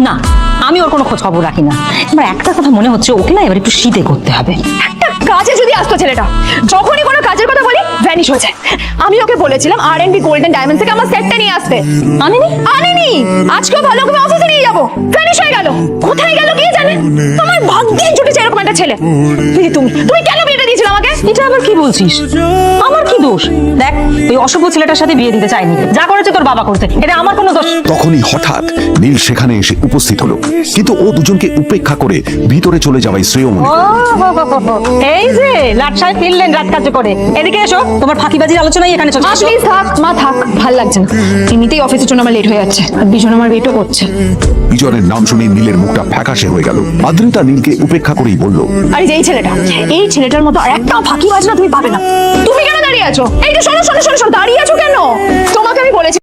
না, আমি ওর কোনো খোঁজ খবর রাখি না। আমার একটা কথা মনে হচ্ছে, ওকে না এবার একটু শীতে করতে হবে। একটা কাজে যদি আসতো ছেলেটা, যখনই কোনো কাজের কথা বলি ভ্যানিশ হয়ে যায়। আমি ওকে বলেছিলাম R&B গোল্ডেন ডায়মন্ড থেকে আমার সেটটা নিয়ে আসতে, আনেনি। আজকেও ভালো করে অফিসে নিয়ে যাবো, ভ্যানিশ হয়ে গেল। কোথায় গেল কে জানে। আমার ভাগ্যে জুটেছে এরকম একটা ছেলে। দিদি তুমি কেন বিয়েটা দিয়েছিলে আমাকে? এটা আবার কি বলছিস? আমার কি দোষ? দেখ, ওই অশুভ ছেলেটার সাথে বিয়ে দিতে চাইনি, যা করেছে তোর বাবা করতে, এটা আমার কোনো দোষ। তখনই হঠাৎ নীল সেখানে এসে উপস্থিত হলো, কিন্তু ও দুজনকে উপেক্ষা করে ভিতরে চলে যাওয়াই শ্রেয় মনে করল। এই যে লাট সাহেব ফিরলেন রাত কাজ করে, এদিকে এসো, তোমার ফাঁকিবাজির আলোচনাই এখানে চলছে। প্লিজ থাক মা, থাক, ভাল লাগছে না। এমনিতেই অফিসের জন্য আমার লেট হয়ে যাচ্ছে, আর বিজন আমার ওয়েটও করছে। বিজনের নাম শুনে নীলের মুখটা ফ্যাকাশে হয়ে গেল। আদ্রিতা নীলকে উপেক্ষা করেই বলল, আর এই ছেলেটা, এই ছেলেটার মতো আর একটাও ফাঁকিবাজ না তুমি পাবে না। তুমি কেন দাঁড়িয়ে আছো? এই যে শোনো, দাঁড়িয়ে আছো কেন? তোমাকে আমি বলেছি